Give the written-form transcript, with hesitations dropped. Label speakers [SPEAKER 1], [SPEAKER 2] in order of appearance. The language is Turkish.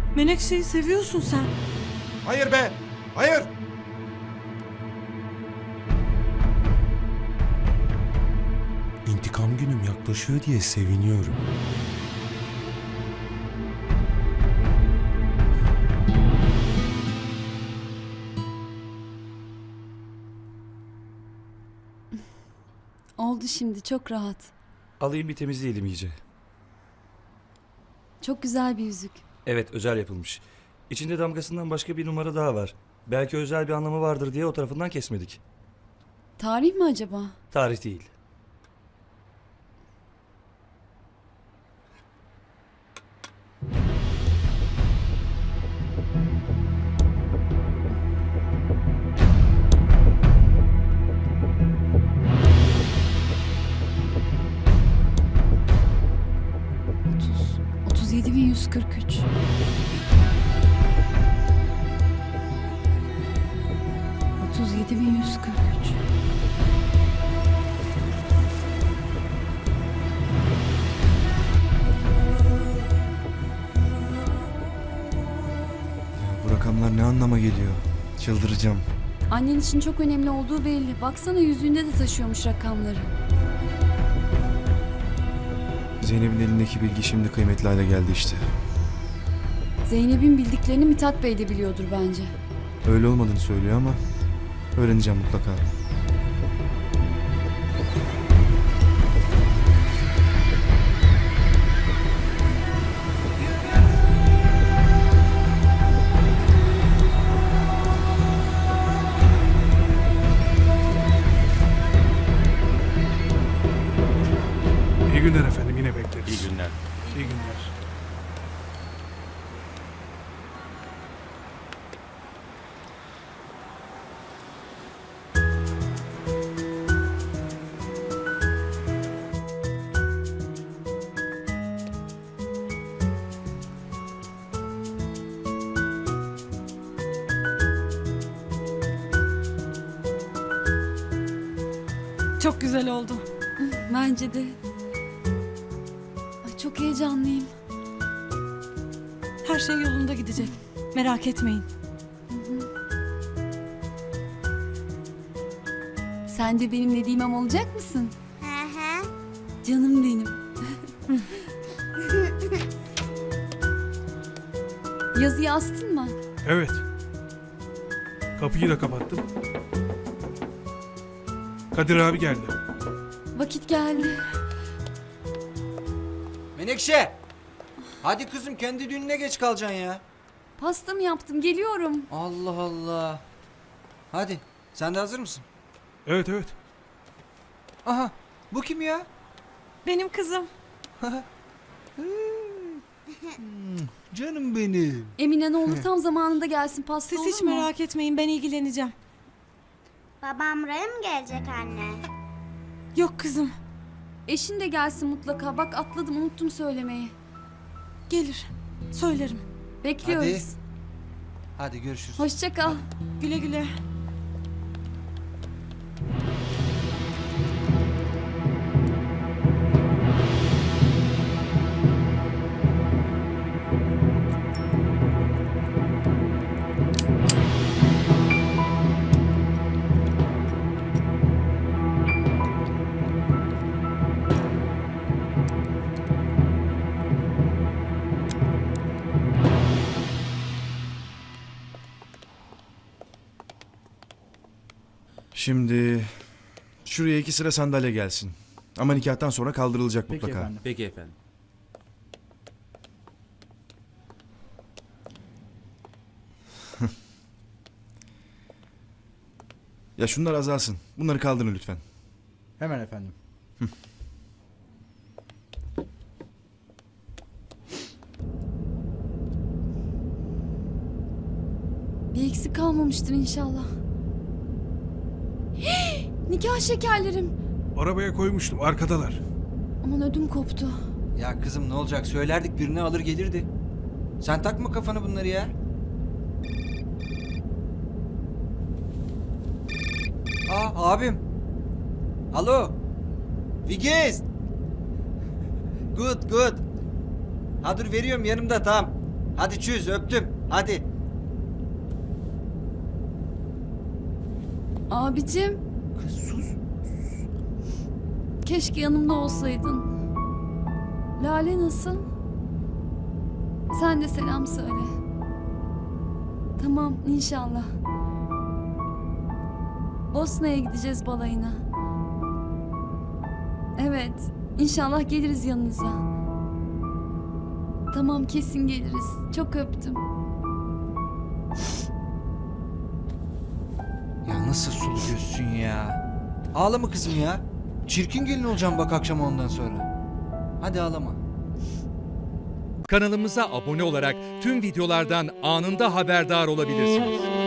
[SPEAKER 1] Menekşe'yi seviyorsun sen.
[SPEAKER 2] Hayır be! Hayır!
[SPEAKER 3] İntikam günüm yaklaşıyor diye seviniyorum.
[SPEAKER 4] Oldu şimdi, çok rahat.
[SPEAKER 5] Alayım bir temizleyelim iyice.
[SPEAKER 4] Çok güzel bir yüzük.
[SPEAKER 5] Evet, özel yapılmış. İçinde damgasından başka bir numara daha var. Belki özel bir anlamı vardır diye o tarafından kesmedik.
[SPEAKER 4] Tarih mi acaba?
[SPEAKER 5] Tarih değil.
[SPEAKER 4] Otuz. 37.143. Otuz yedi bin yüz kırk üç.
[SPEAKER 6] Bu rakamlar ne anlama geliyor? Çıldıracağım.
[SPEAKER 4] Annen için çok önemli olduğu belli. Baksana yüzüğünde de taşıyormuş rakamları.
[SPEAKER 6] Zeynep'in elindeki bilgi şimdi kıymetli hale geldi işte.
[SPEAKER 4] Zeynep'in bildiklerini Mithat Bey de biliyordur bence.
[SPEAKER 6] Öyle olmadığını söylüyor ama öğreneceğim mutlaka.
[SPEAKER 7] İyi günler efendim, yine bekleriz.
[SPEAKER 5] İyi günler.
[SPEAKER 7] İyi günler.
[SPEAKER 1] Çok güzel oldu.
[SPEAKER 4] Bence de. Ay, çok heyecanlıyım.
[SPEAKER 1] Her şey yolunda gidecek. Merak etmeyin.
[SPEAKER 4] Sen de benim Nedimem olacak mısın?
[SPEAKER 8] Hı hı.
[SPEAKER 4] Canım benim. Yazıyı astın mı?
[SPEAKER 7] Evet. Kapıyı da kapattım. Kadir abi geldi.
[SPEAKER 4] Vakit geldi.
[SPEAKER 9] Menekşe! Hadi kızım kendi düğününe geç kalacaksın ya.
[SPEAKER 4] Pasta mı yaptım? Geliyorum.
[SPEAKER 9] Allah Allah. Hadi sen de hazır mısın?
[SPEAKER 7] Evet evet.
[SPEAKER 9] Aha bu kim ya?
[SPEAKER 1] Benim kızım.
[SPEAKER 9] Canım benim.
[SPEAKER 4] Emine ne olur tam zamanında gelsin pasta,
[SPEAKER 1] Siz
[SPEAKER 4] olur
[SPEAKER 1] hiç
[SPEAKER 4] mu?
[SPEAKER 1] merak etmeyin, ben ilgileneceğim.
[SPEAKER 8] Babam buraya mı gelecek anne?
[SPEAKER 1] Yok kızım,
[SPEAKER 4] Eşin de gelsin mutlaka. Bak atladım, unuttum söylemeyi.
[SPEAKER 1] gelir. Söylerim.
[SPEAKER 4] Bekliyoruz.
[SPEAKER 9] Hadi görüşürüz.
[SPEAKER 4] Hoşça kal.
[SPEAKER 1] Güle güle.
[SPEAKER 6] Şimdi şuraya 2 sıra sandalye gelsin. Ama nikahtan sonra kaldırılacak mutlaka.
[SPEAKER 5] Peki efendim.
[SPEAKER 6] Ya şunlar azalsın. Bunları kaldırın lütfen.
[SPEAKER 9] Hemen efendim.
[SPEAKER 4] Bir eksik kalmamıştır inşallah. Nikah şekerlerim.
[SPEAKER 7] Arabaya koymuştum, arkadalar.
[SPEAKER 4] Aman ödüm koptu.
[SPEAKER 9] Ya kızım ne olacak söylerdik birini alır gelirdi. Sen takma kafanı bunları ya. Aa abim. Alo. Vigiz. Good good. Ha dur veriyorum yanımda tamam. Hadi çüz öptüm. Hadi.
[SPEAKER 4] Abicim.
[SPEAKER 9] Kız sus.
[SPEAKER 4] Keşke yanımda olsaydın. Lale nasıl? Sen de selam söyle. Tamam inşallah. Bosna'ya gideceğiz balayına. Evet, inşallah geliriz yanınıza. Tamam kesin geliriz. Çok öptüm.
[SPEAKER 9] Ya nasıl sulu gözsün ya. Ağlama kızım ya. Çirkin gelin olacağım bak akşam ondan sonra. Hadi ağlama.
[SPEAKER 10] Kanalımıza abone olarak tüm videolardan anında haberdar olabilirsiniz.